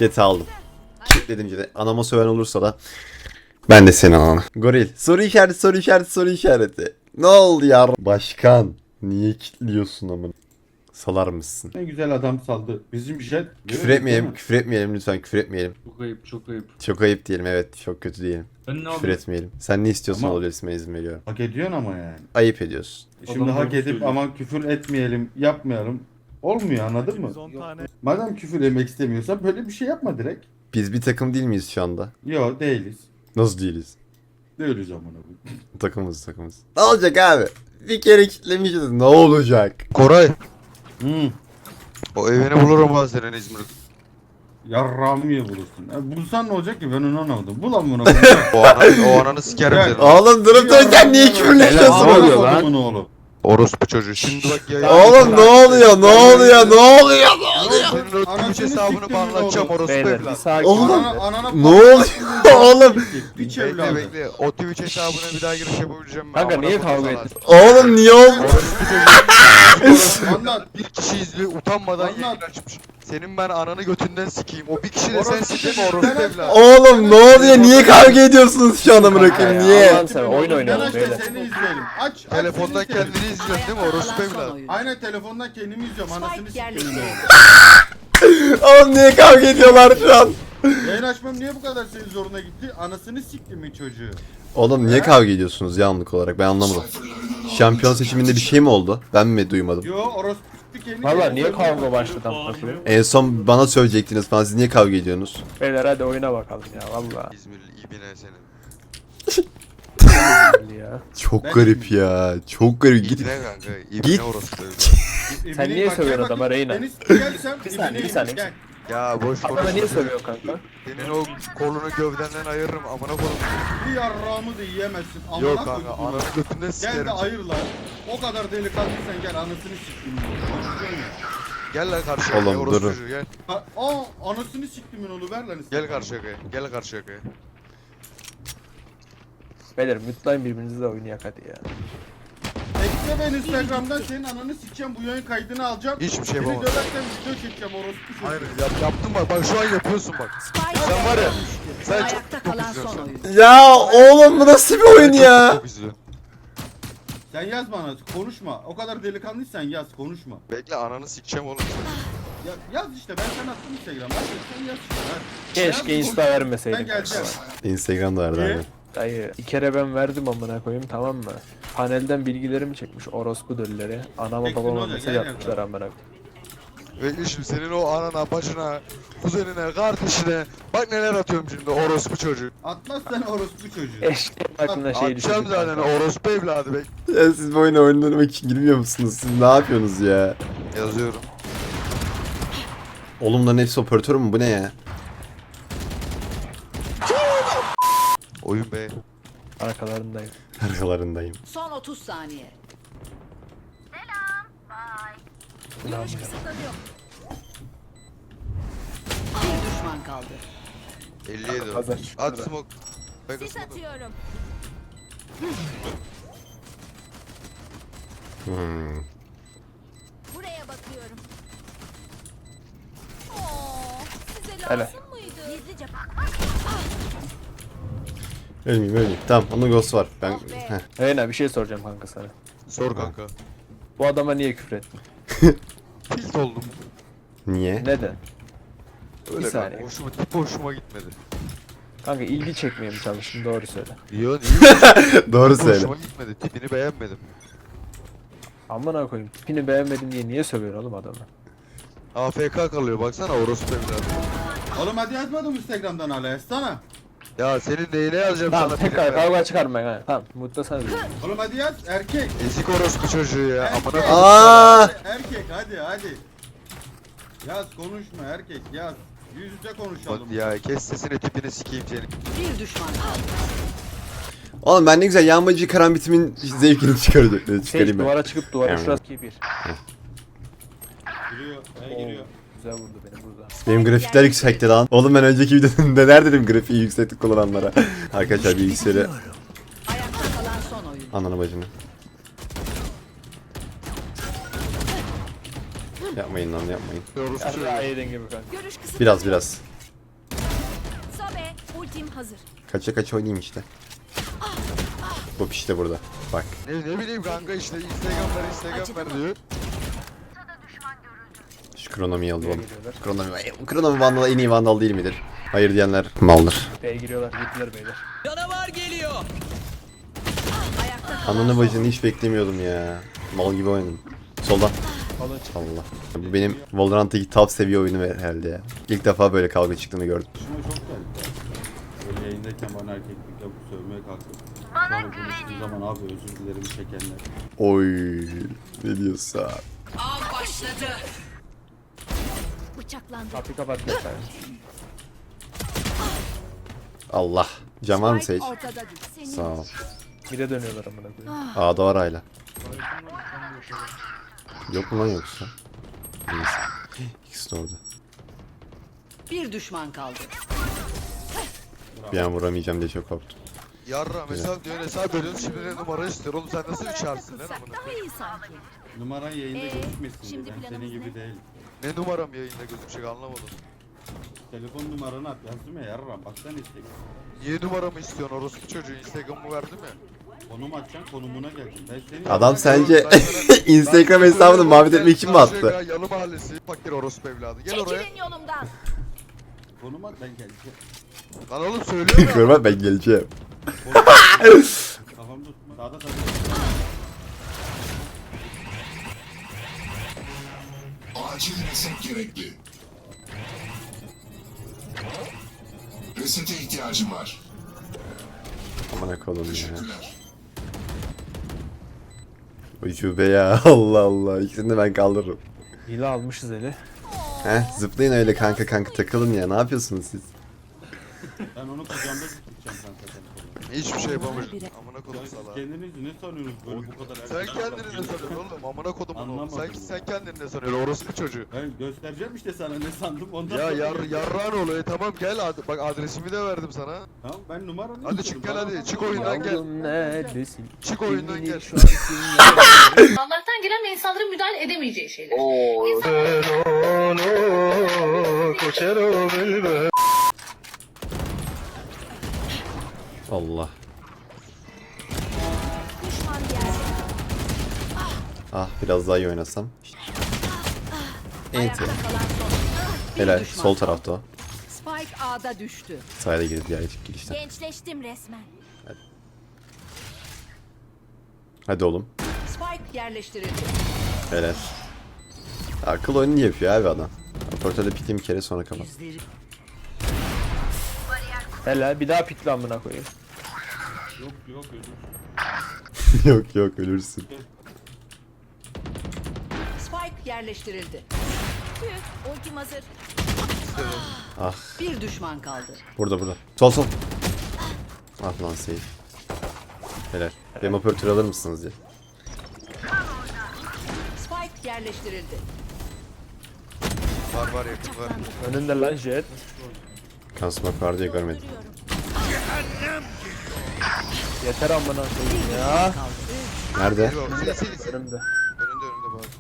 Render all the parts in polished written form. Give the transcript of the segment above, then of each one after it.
Jet'i aldım. Kilitledim Jet'i. Anama söven olursa da ben de senin anana. Goril. Soru işareti, soru işareti, soru işareti. Ne oldu ya? Başkan. Niye kilitliyorsun amına? Salar mısın? Ne güzel adam saldı. Bizim jet. Küfür etmeyelim, küfür etmeyelim lütfen, küfür etmeyelim. Çok ayıp, çok ayıp. Çok ayıp diyelim, evet, çok kötü diyelim. Ben ne Küfür yapayım? etmeyelim. Sen ne istiyorsan Ama- olabilirsin, ben izin veriyorum. Hak ediyorsun ama yani. Ayıp ediyorsun. Şimdi Adam hak doğru edip söylüyor. ama küfür etmeyelim, yapmayalım. Olmuyor, anladın mı? 10 tane. Madem küfür yemek istemiyorsan böyle bir şey yapma direkt. Biz bir takım değil miyiz şu anda? Yok değiliz. Nasıl değiliz? Değiliz amına koyayım. Takımız. Ne olacak abi? Bir kere kilitlemişiz, ne olacak? Koray, Hmm. o evini bulurum ha senin İzmir'de. Yarrağımı ye bulursun. Bulsan ne olacak ki ben onu anlamadım. Bul amına koyayım. O ananı sikerim Gel. senin. Oğlum durup dururken niye küfürleşiyorsun? Amına oluyor lan? kodumun oğlu. Orospu çocuğu. Şimdi bak ya. Oğlum ne oluyor? Ne oluyor? Ne oluyor? Senin o Twitch hesabını banlatacağım orospu Beyler bir evladı. sakin Oğlum, olun. Anana Ne oluyor oğlum? Piç Bekle evladı. bekle. O Twitch hesabına bir daha giriş yapabileceğim ben. Kanka Amına niye koyayım kavga sana. ettin? Oğlum niye oldu? Orospu çocuğu. Anlat. Bir kişi izliyor utanmadan Anlat. yayın açmış. Senin ben ananı götünden sikeyim. O bir kişi de Orospu sensin değil mi çocuğu, orospu sen evladı? Oğlum ne oluyor? Niye kavga ediyorsunuz şu an amına koyayım? Ya, Niye? Allah'ını seversen oyun Ben oynayalım aç da beyler. seni izleyelim. Aç. Telefondan seni izleyelim. kendini izliyorsun değil mi orospu evladı? Aynen telefondan kendimi izliyorum. Anasını Spike sikeyim. yerleştirildi. Oğlum niye kavga ediyorlar şu an? Yayın açmam niye bu kadar senin zoruna gitti? Anasını sikti mi çocuğu? Oğlum niye kavga ediyorsunuz ya anlık olarak? Ben anlamadım. Şampiyon seçiminde bir şey mi oldu? Ben mi duymadım? Yo orospu sikti kendini. Valla niye kavga başladı amına koyayım? En son bana söyleyecektiniz falan. Siz niye kavga ediyorsunuz? Beyler hadi oyuna bakalım ya valla. İzmirli ibine senin. Ya. Çok Ben- garip ya. Çok garip. Git. İbine kanka. Git. İbine orospu evladı. Sen niye sövüyorsun adama Reyna? Bir saniye, bir saniye. Gel. Ya boş Adama konuşma. niye sövüyorsun kanka? Senin o kolunu gövdenden ayırırım amına koyayım. Bir yarrağımı da yiyemezsin. Amına Yok kanka koydum bunu. ananı götünden Gel sikerim. de ayır lan. O kadar delikanlıysan gel anasını siktim. Gel lan karşıya. Oğlum, Oğlum orospu durun. çocuğu gel. Anasını siktimin onu ver lan. Gel karşıya kaya. Gel karşıya kaya. Beyler mutlayın birbirinizi de oynayak hadi ya. Ekle ben Instagram'dan senin ananı sikeceğim, bu yayın kaydını alacağım. Hiçbir şey Seni yapamam. döversen video çekeceğim orospu çocuğu. Hayır yaptın bak. Bak şu an yapıyorsun bak. Spike Sen var ya. Sen çok ayakta kalan son oyun. Ya oğlum bu nasıl bir oyun ya? çok izliyorsun. Sen yaz bana, konuşma. O kadar delikanlıysan yaz, konuşma. Bekle ananı sikeceğim oğlum. Ya, yaz işte, ben sana attım Instagram'a. Hadi sen yaz işte. Hadi. Keşke Yaz, insta konuş. vermeseydin. Ben geleceğim. Instagram'da vardı Niye? abi. Dayı bir kere ben verdim amına koyayım tamam mı? Panelden bilgilerimi çekmiş orospu dölleri. Anama Çeksin babama olacak, mesaj gel atmışlar amına koyayım. Bekle şimdi senin o anana, başına, kuzenine, kardeşine. Bak neler atıyorum şimdi orospu çocuğu. Atmazsan orospu çocuğu. Eşeğin aklına şey düşürdü. Atacağım zaten orospu evladı bek. Ya siz bu oyuna oynamak için girmiyor musunuz? Siz ne yapıyorsunuz ya? Yazıyorum. Oğlum bunların hepsi operatör mü? Bu ne ya? Oyun be. Arkalarındayım. Arkalarındayım. Son 30 saniye. İnanmıyorum. Bir düşman kaldı. 57 o. Hazır. At smoke. Bek Sis atıyorum. Hmm. Buraya bakıyorum. Oo, size Hele. lazım mıydı? Gizlice Ölmeyeyim. Tamam onun ghost var. Ben... Heh. Reyna bir şey soracağım kanka sana. Sor kanka. Bu adama niye küfür ettin? Tilt oldum. Niye? Neden? Öyle Bir kanka. saniye. Hoşuma gitmedi. Kanka ilgi çekmeye mi çalıştın doğru söyle. Yo niye? Doğru söyle. Hoşuma gitmedi. Tipini beğenmedim. Amına koyayım tipini beğenmedin diye niye sövüyorsun oğlum adamı? AFK kalıyor baksana orospu evladı. Oğlum hadi yazmadım Instagram'dan hala, yazsana. Ya senin neyine yazacağım Tamam sana tekrar filmler? kavga çıkarmayın ha. Tamam mutlu sana diyorum. Oğlum hadi yaz, erkek. Ezik orospu çocuğu ya. Erkek. Amına Aa! Erkek hadi. Yaz, konuşma erkek, yaz. Yüz yüze konuşalım. Hadi ya kes sesini tipini sikeyim seni. bir düşman kaldı. Oğlum ben ne güzel yağmacı karambitimin zevkini çıkaracak. Sage Çıkarayım ben. duvara çıkıp duvara Yani. şurası 2-1. Giriyor, Oo, giriyor. güzel vurdu beni burada. Benim grafikler yüksekti lan. Oğlum ben önceki videoda neler dedim grafiği yükseklik kullananlara. Arkadaşlar bilgisayarı Ayakta kalan son oyun. ananı bacını. Yapmayın lan yapmayın. Orospu çocuğu. Ya yedin gibi kanka. Görüş kısıtlanıyor. Biraz. hazır. Kaça kaça oynayayım işte. Bu işte burada. Bak. Ne bileyim kanka işte Instagram ver diyor. Şu kronomiyi alalım. Geliyorlar. Kronomi Vandal en iyi Vandal değil midir? Hayır diyenler maldır. B'ye giriyorlar. Gittiler beyler. Ayakta kalan Ananı bacını hiç beklemiyordum ya. Mal gibi oynadım. Soldan. Alın çık. Allah. Bu benim Valorant'taki top seviye oyunu herhalde ya. İlk defa böyle kavga çıktığını gördüm. Şuna çok geldi. Böyle yayındayken bana erkeklik yapıp sövmeye kalktım. Sonra konuştuğum zaman abi özür dilerim çekenler. Oy. Ne diyorsun? av başladı. Bıçaklandı. Kapıyı kapat göster. Allah. Cam var mı Sage? Ortada değil. Senin Sağ ol. Bir de dönüyorlar amına koyayım. A'da var hala. Yok mu lan yoksa? Neyse. İkisi de orada. bir düşman kaldı. Bir an vuramayacağım diye çok korktum. Yarra mesela diyor hesap veriyorsun şimdi ne numara istiyor oğlum sen nasıl bir çarsın lan Sen amına daha koyayım? iyi sanki. Numaran yayında gözükmesin şimdi diye. Ben planımız senin gibi ne? değil. Ne numaram yayında gözükecek anlamadım. Telefon numaranı at yazdım ya yarram. Baksana işte. Niye numaramı istiyorsun orospu çocuğu Instagram'ımı verdi mi? Konum atacaksın konumuna geldin. Ben senin Adam yanına- sence Instagram hesabını muhabbet etmek için mi attı? Yalı mahallesi fakir orospu evladı gel oraya. Çekilin yolumdan. Konum at ben geleceğim. Lan oğlum söylüyorum ya. Görmem ben geleceğim. Kafamda tutma. Sağda sağda. Acil reset gerekli. Resete ihtiyacım var. Aman koyayım ya. Teşekkürler. Ucube ya. Allah Allah. İkisini de ben kaldırırım. Hile almışız eli. Heh zıplayın öyle kanka takılın ya. Ne yapıyorsunuz siz? Ben onu kucağımda tutacağım kanka telefonu. Hiçbir şey yapamayacağım. Amına kodum Ya siz salağı. kendinizi ne sanıyorsunuz böyle bu kadar Sen erkek kendini ne adam? sanıyorsun oğlum? Amına kodumun oğlum. Anlamadım. Sen kendini ne sanıyorsun? Orospu çocuğu. Ben göstereceğim işte sana ne sandım ondan Ya sonra yarrağın oluyor. Tamam gel bak adresimi de verdim sana. Tamam ben numaranı Hadi istiyorum. çık gel Bana hadi, bak. çık oyundan gel. Yavrum neredesin? Çık oyundan gel. Şu an kimler? Allah'tan gelen ve insanların müdahale edemeyeceği şeyler. Allah. Düşman geldi. Ah biraz daha iyi oynasam. Enti. Ayakta kalan son. Bir Helal. düşman Sol kaldı. tarafta o. Spike A'da düştü. Sayda girdi diğer girişten. Gençleştim resmen. Hadi oğlum. Spike yerleştirildi. Helal. Akıl oyunu niye yapıyor abi adam? Operatörde piktim bir kere sonra kapat. Helal bir daha pikle amına koyayım. Yok özür. Yok ölürsün. Spike yerleştirildi. Ultim hazır. Ah Bir düşman kaldı. burada. Sol. Ah lan safe. Helal. Benim operatörü alır mısınız diye. Spike yerleştirildi. Var yakın var. Önünde lan jet. Kansmak var diye görmedim. Yeter amına koyayım ya. Nerede? Sil. Önümde. Önünde bak.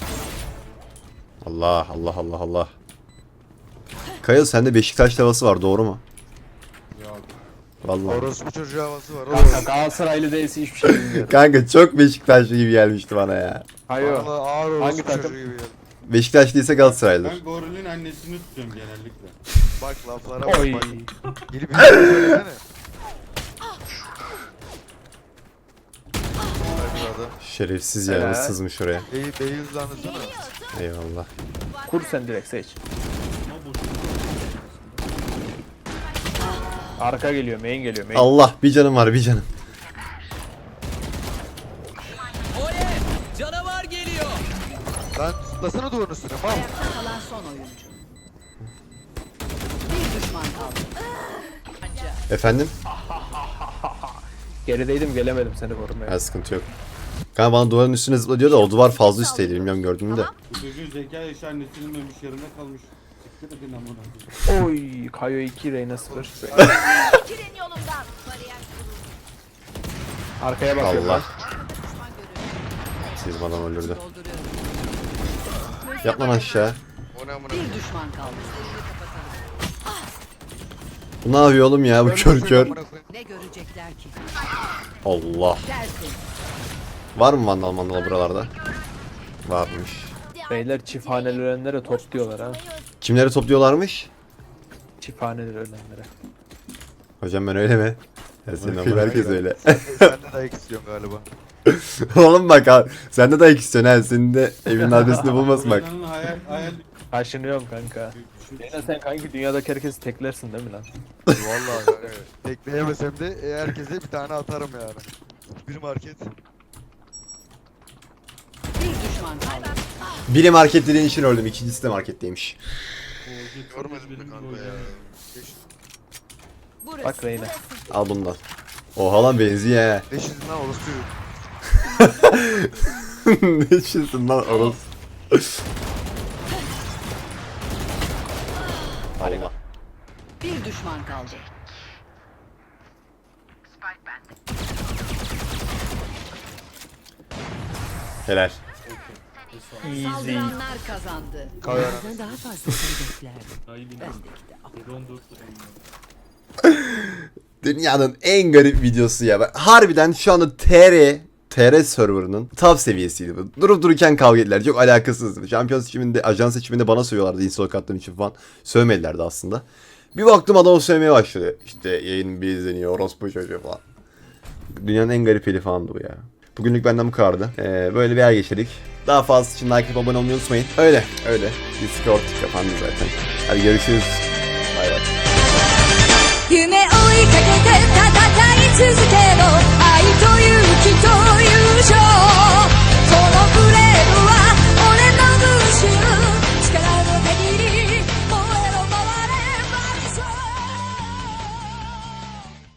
Allah. Kaya sende Beşiktaş havası var doğru mu? Yok. Vallahi. Orospu çocuğu havası var. Kanka Galatasaraylı değilse hiçbir şey bilmiyorum. Kanka çok Beşiktaşlı gibi gelmişti bana ya. Hayır. Bana ağır orospu Hangi takım? çocuğu gibi geldi. Beşiktaş değilse Galatasaraylıdır. Ben gorilin annesini tutuyorum genellikle. Bak laflara bak Oy. bak. Gelip bir şey söylesene. Bak adam. Şerefsiz ya Helal. nasıl sızmış oraya. Beyi hızlandırsana. Eyvallah. Kur sen direkt seç. Arka geliyor, main geliyor, main. Allah bir canım var bir canım. Lan zıplasana duvarın üstüne mal. Ayakta kalan son oyuncu. Bir düşman kaldı. Efendim? Gerideydim gelemedim seni korumaya. Ha sıkıntı yok. Kanka bana duvarın üstüne zıpla diyor da o duvar fazla üstteydi bilmiyorum gördün mü de. Bu çocuğun zeka yaşı annesinin ölmüş yerinde kalmış. Siktir edin amına. Oy, Kayo 2, Reyna 0. Çekilin yolumdan. Bariyer Arkaya bakıyorum. Allah. düşman görüyorum. Siz adam öldürdü. Dolduruyorum. Yap lan aşağı. O ne amına. Bir düşman kaldı. Bu ne yapıyor oğlum ya bu kör kör. Ne görecekler ki? Allah. Dersin. Var mı vandal buralarda? Varmış. Beyler çifthaneli ölenlere top diyorlar ha. Kimleri topluyorlarmış? Çifthaneli ölenlere. Hocam ben öyle mi? Ya senin ama herkes öyle. Sen de dayak istiyorsun galiba. Oğlum bak abi. Sen de dayak istiyorsun ha. Senin de evinin adresini bulmasın bak. Oynanın hayal Kaşınıyorum kanka. Yine sen kanki dünyadaki herkesi teklersin değil mi lan? Vallahi yani. Tekleyemesem de herkese bir tane atarım yani. Bir market. Bir düşman kaldı. Biri market dediğin için öldüm. İkincisi de marketteymiş. Görmedim mi kanka ya? Burası. Bak Reyna. Al bundan. Oha lan benziyor he. Ne işin lan orası? Ne içiyorsun lan orası? Allah. Bir düşman kaldı. Helal. Easy. Saldıranlar kazandı. Kavga Bizden daha fazla hedeflerdi. Ayı bin. Bendeki de al. Drone dur. drone. Dünyanın en garip videosu ya. Harbiden şu anda TR serverının top seviyesiydi bu. Durup dururken kavga ettiler. Çok alakasızdı. Şampiyon seçiminde, ajans seçiminde bana sövüyorlardı install attığım için falan. Sövmedilerdi aslında. Bir baktım adamı sövmeye başladı. İşte yayın bir izleniyor, orospu çocuğu falan. Dünyanın en garip eli falandı bu ya. Bugünlük benden bu kadardı. Böyle bir ay geçirdik. Daha fazlası için like atıp abone olmayı unutmayın. Öyle. Discord kapandı zaten. Hadi görüşürüz. Bay bay. 夢追いかけて戦い続けろ愛と勇気と友情